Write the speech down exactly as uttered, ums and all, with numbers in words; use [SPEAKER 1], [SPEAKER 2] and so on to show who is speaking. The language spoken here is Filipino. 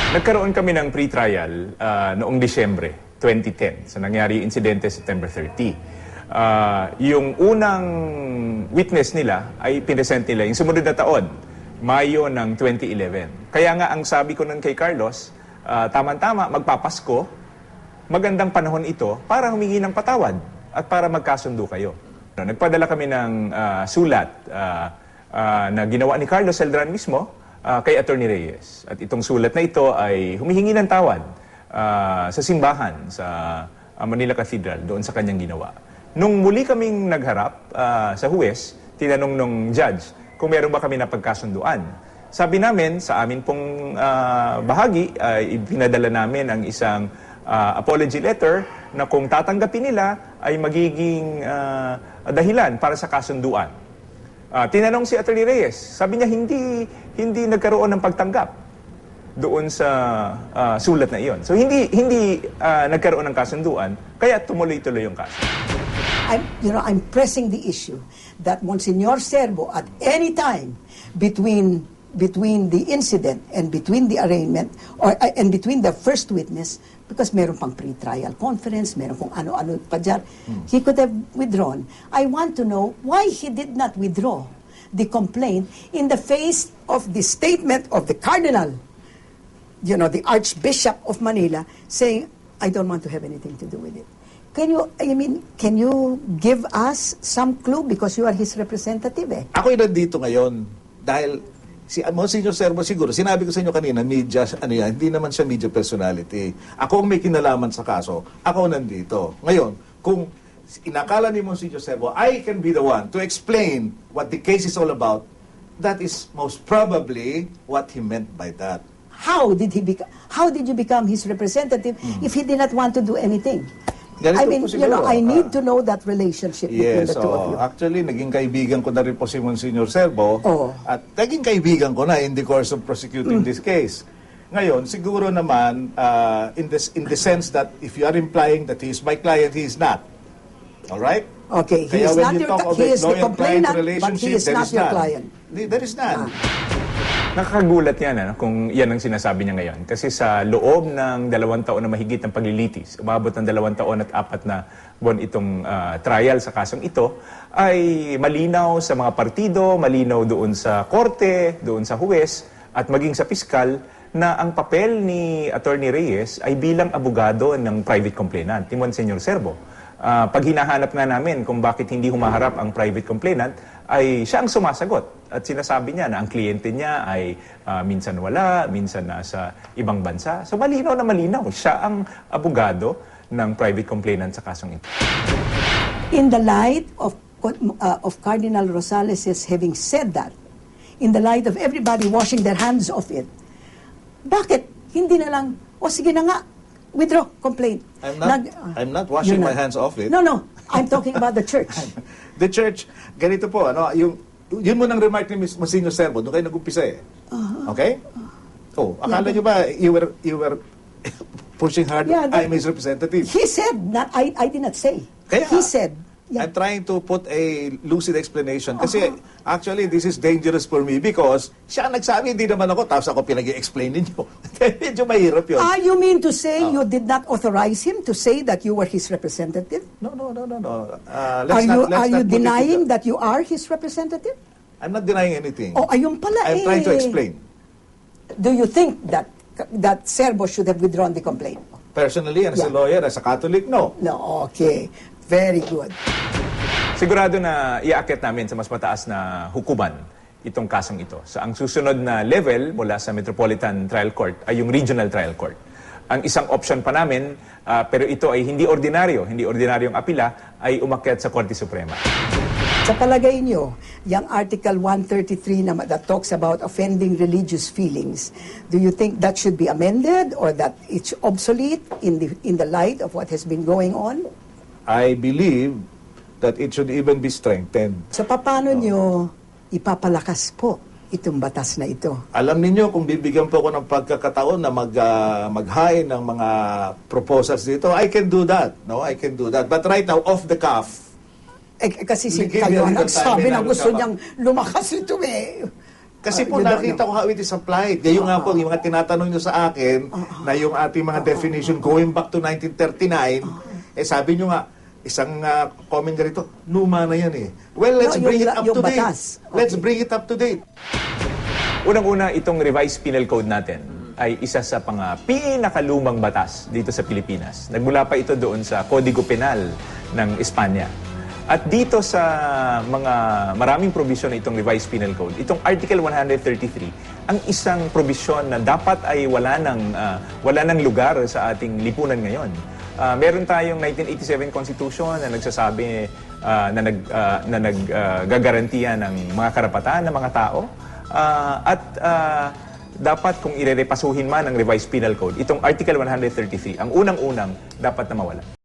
[SPEAKER 1] Nagkaroon kami ng pre-trial uh, noong Disyembre twenty ten. So nangyari yung insidente September thirty. Uh, yung unang witness nila ay pinesent nila yung sumunod na taon, Mayo ng twenty eleven. Kaya nga ang sabi ko nun kay Carlos, uh, tama-tama, magpapasko, magandang panahon ito para humingi ng patawad at para magkasundo kayo. Nagpadala kami ng uh, sulat uh, uh, na ginawa ni Carlos Celdran mismo uh, kay Attorney Reyes. At itong sulat na ito ay humihingi ng tawad uh, sa simbahan sa uh, Manila Cathedral doon sa kanyang ginawa. Nung muli kaming nagharap uh, sa huwes, tinanong nung judge kung meron ba kami napagkasunduan. Sabi namin, sa amin pong uh, bahagi, uh, ipinadala namin ang isang uh, apology letter na kung tatanggapin nila ay magiging uh, dahilan para sa kasunduan. Uh, tinanong si Attorney Reyes, sabi niya hindi hindi nagkaroon ng pagtanggap doon sa uh, sulat na iyon. So hindi hindi uh, nagkaroon ng kasunduan, kaya tumuloy-tuloy yung kaso.
[SPEAKER 2] I'm, you know, I'm pressing the issue that Monsignor Serbo at any time between between the incident and between the arraignment or uh, and between the first witness, because meron pang pre-trial conference, meron kung ano-ano pa dyan, hmm. he could have withdrawn. I want to know why he did not withdraw the complaint in the face of the statement of the Cardinal, you know, the Archbishop of Manila, saying, I don't want to have anything to do with it. Can you, I mean, can you give us some clue because you are his representative eh?
[SPEAKER 3] Ako'y nandito ngayon dahil si Monsignor Serbo siguro, sinabi ko sa inyo kanina, media, ano yan, hindi naman siya media personality. Ako ang may kinalaman sa kaso, ako nandito. Ngayon, kung inakala ni Monsignor Serbo, I can be the one to explain what the case is all about, that is most probably what he meant by that.
[SPEAKER 2] How did he become, how did you become his representative hmm. if he did not want to do anything?
[SPEAKER 3] Ganito
[SPEAKER 2] I mean, you know, I need uh, to know that relationship between
[SPEAKER 3] yes,
[SPEAKER 2] the two
[SPEAKER 3] oh,
[SPEAKER 2] of you.
[SPEAKER 3] Actually, naging kaibigan ko na rin po si Monsignor Serbo.
[SPEAKER 2] Oh.
[SPEAKER 3] At naging kaibigan ko na in the course of prosecuting mm. this case. Ngayon, siguro naman, uh, in, this, in the sense that if you are implying that he is my client, he is not. All right?
[SPEAKER 2] Okay, he
[SPEAKER 3] Kaya
[SPEAKER 2] is not your
[SPEAKER 3] of
[SPEAKER 2] he is the complainant, but he is
[SPEAKER 3] there
[SPEAKER 2] not
[SPEAKER 3] is
[SPEAKER 2] your
[SPEAKER 3] none.
[SPEAKER 2] client.
[SPEAKER 3] There is none.
[SPEAKER 2] Ah.
[SPEAKER 1] Nakakagulat yan ano, kung yan ang sinasabi niya ngayon. Kasi sa loob ng dalawang taon na mahigit ng paglilitis, umabot ng dalawang taon at apat na buwan itong uh, trial sa kasong ito, ay malinaw sa mga partido, malinaw doon sa korte, doon sa huwes, at maging sa piskal, na ang papel ni Attorney Reyes ay bilang abogado ng private complainant, ni Monsignor Serbo. Uh, pag hinahanap nga namin kung bakit hindi humaharap ang private complainant, ay siya ang sumasagot. At sinasabi niya na ang kliyente niya ay uh, minsan wala, minsan nasa ibang bansa. So malinaw na malinaw, siya ang abogado ng private complainant sa kasong ito.
[SPEAKER 2] In the light of, uh, of Cardinal Rosales' having said that, in the light of everybody washing their hands of it, bakit hindi na lang, o sige na nga, withdraw, complaint.
[SPEAKER 3] I'm not, Nag, uh, I'm not washing my not. hands off it.
[SPEAKER 2] No, no. I'm talking about the church.
[SPEAKER 3] The church, ganito po, ano, yung, yun mo nang remark ni Monsignor Serbo, doon kayo nag-umpisa eh. Uh-huh. Okay? Oh, akala yeah, nyo ba, you were, you were pushing hard, yeah, I'm his representative.
[SPEAKER 2] He said, not, I, I did not say.
[SPEAKER 3] Kaya,
[SPEAKER 2] he said, yeah.
[SPEAKER 3] I'm trying to put a lucid explanation. Kasi, uh-huh. actually, this is dangerous for me because siya ang nagsabi, hindi naman ako, tapos ako pinag-i-explain ninyo. Medyo mahirap yun.
[SPEAKER 2] Ah, you mean to say uh, you did not authorize him to say that you were his representative?
[SPEAKER 3] No, no, no, no, no. Uh, let's
[SPEAKER 2] are you,
[SPEAKER 3] not, let's
[SPEAKER 2] are
[SPEAKER 3] not
[SPEAKER 2] you denying that you are his representative?
[SPEAKER 3] I'm not denying anything.
[SPEAKER 2] Oh, ayun pala
[SPEAKER 3] I'm
[SPEAKER 2] eh.
[SPEAKER 3] trying to explain.
[SPEAKER 2] Do you think that that Serbo should have withdrawn the complaint?
[SPEAKER 3] Personally, and as yeah. a lawyer, as a Catholic, no.
[SPEAKER 2] No, okay. Very good.
[SPEAKER 1] Sigurado na iaakit namin sa mas mataas na hukuman itong kasong ito. So ang susunod na level mula sa Metropolitan Trial Court ay yung Regional Trial Court. Ang isang option pa namin, uh, pero ito ay hindi ordinaryo, hindi ordinaryong apila, ay umakyat sa Korte Suprema.
[SPEAKER 2] Sa palagay nyo, yung Article one thirty-three na, that talks about offending religious feelings, do you think that should be amended or that it's obsolete in the, in the light of what has been going on?
[SPEAKER 3] I believe that it should even be strengthened.
[SPEAKER 2] So paano oh. nyo ipapalakas po itong batas na ito?
[SPEAKER 3] Alam niyo kung bibigyan po ako ng pagkakataon na mag, uh, mag-high ng mga proposals dito, I can do that. No, I can do that. But right now, off the cuff.
[SPEAKER 2] Eh, kasi si kayo ang nagsabi na gusto niyang lumakas ito eh.
[SPEAKER 3] Kasi
[SPEAKER 2] Uh,
[SPEAKER 3] po
[SPEAKER 2] you don't
[SPEAKER 3] nakita
[SPEAKER 2] know.
[SPEAKER 3] ko how it is applied. Ngayon nga po, yung mga tinatanong nyo sa akin na yung ating mga definition going back to nineteen thirty-nine, eh sabi nyo nga, isang uh, comment nga rito, luma na yan eh. Well, let's
[SPEAKER 2] No,
[SPEAKER 3] bring
[SPEAKER 2] yung
[SPEAKER 3] it
[SPEAKER 2] la-
[SPEAKER 3] up
[SPEAKER 2] yung
[SPEAKER 3] to date.
[SPEAKER 2] batas.
[SPEAKER 3] Let's
[SPEAKER 2] Okay.
[SPEAKER 3] bring it up to date.
[SPEAKER 1] Unang-una, itong revised penal code natin ay isa sa pang ah, pinakalumang batas dito sa Pilipinas. Nagmula pa ito doon sa Kodigo Penal ng Espanya. At dito sa mga maraming provision ng itong revised penal code, itong Article one thirty-three, ang isang provision na dapat ay wala ng, ah, wala ng lugar sa ating lipunan ngayon. Ah, meron tayong nineteen eighty-seven Constitution na nagsasabi ah, na nag ah, na naggagarantiya ng mga karapatan ng mga tao. Ah, at ah, dapat kung irerepasuhin man ang revised penal code, itong Article one thirty-three, ang unang-unang dapat na mawala.